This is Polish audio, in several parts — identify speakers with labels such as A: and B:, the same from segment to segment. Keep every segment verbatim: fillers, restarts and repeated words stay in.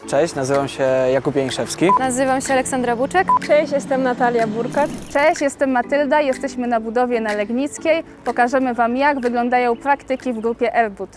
A: Cześć, nazywam się Jakub Janiszewski.
B: Nazywam się Aleksandra Buczek.
C: Cześć, jestem Natalia Burkat.
D: Cześć, jestem Matylda, jesteśmy na budowie na Legnickiej. Pokażemy Wam, jak wyglądają praktyki w grupie AirBud.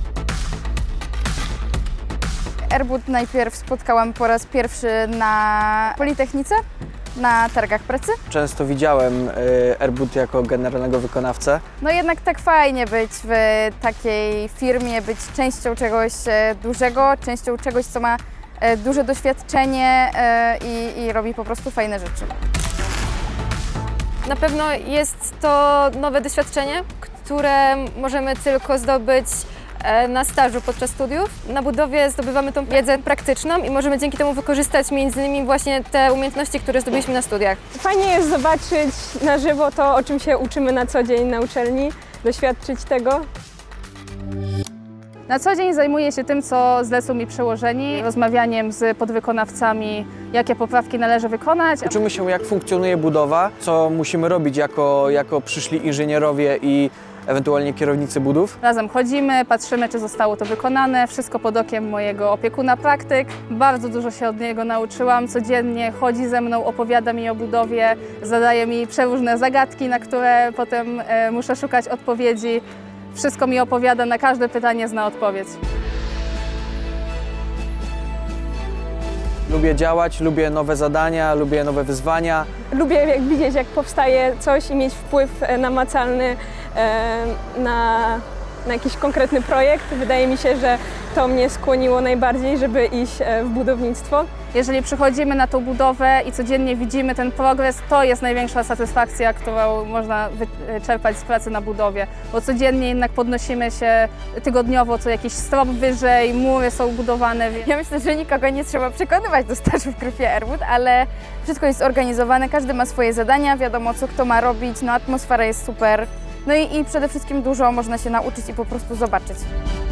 B: AirBud najpierw spotkałam po raz pierwszy na Politechnice, na targach pracy.
A: Często widziałem AirBud jako generalnego wykonawcę.
B: No jednak tak fajnie być w takiej firmie, być częścią czegoś e, dużego, częścią czegoś, co ma e, duże doświadczenie e, i, i robi po prostu fajne rzeczy.
E: Na pewno jest to nowe doświadczenie, które możemy tylko zdobyć na stażu podczas studiów. Na budowie zdobywamy tą wiedzę praktyczną i możemy dzięki temu wykorzystać między innymi właśnie te umiejętności, które zdobyliśmy na studiach.
C: Fajnie jest zobaczyć na żywo to, o czym się uczymy na co dzień na uczelni, doświadczyć tego.
D: Na co dzień zajmuję się tym, co zlecą mi przełożeni, rozmawianiem z podwykonawcami, jakie poprawki należy wykonać.
A: Uczymy się, jak funkcjonuje budowa, co musimy robić jako, jako przyszli inżynierowie i ewentualnie kierownicy budów.
D: Razem chodzimy, patrzymy, czy zostało to wykonane, wszystko pod okiem mojego opiekuna praktyk. Bardzo dużo się od niego nauczyłam, codziennie chodzi ze mną, opowiada mi o budowie, zadaje mi przeróżne zagadki, na które potem e, muszę szukać odpowiedzi. Wszystko mi opowiada, na każde pytanie zna odpowiedź.
A: Lubię działać, lubię nowe zadania, lubię nowe wyzwania.
C: Lubię jak widzieć, jak powstaje coś i mieć wpływ namacalny e, na, na jakiś konkretny projekt. Wydaje mi się, że to mnie skłoniło najbardziej, żeby iść w budownictwo.
D: Jeżeli przychodzimy na tą budowę i codziennie widzimy ten progres, to jest największa satysfakcja, którą można czerpać z pracy na budowie. Bo codziennie jednak podnosimy się tygodniowo co jakiś strop wyżej, mury są budowane.
B: Ja myślę, że nikogo nie trzeba przekonywać do stażu w grupie AirBud, ale wszystko jest zorganizowane, każdy ma swoje zadania, wiadomo co kto ma robić, no atmosfera jest super. No i, i przede wszystkim dużo można się nauczyć i po prostu zobaczyć.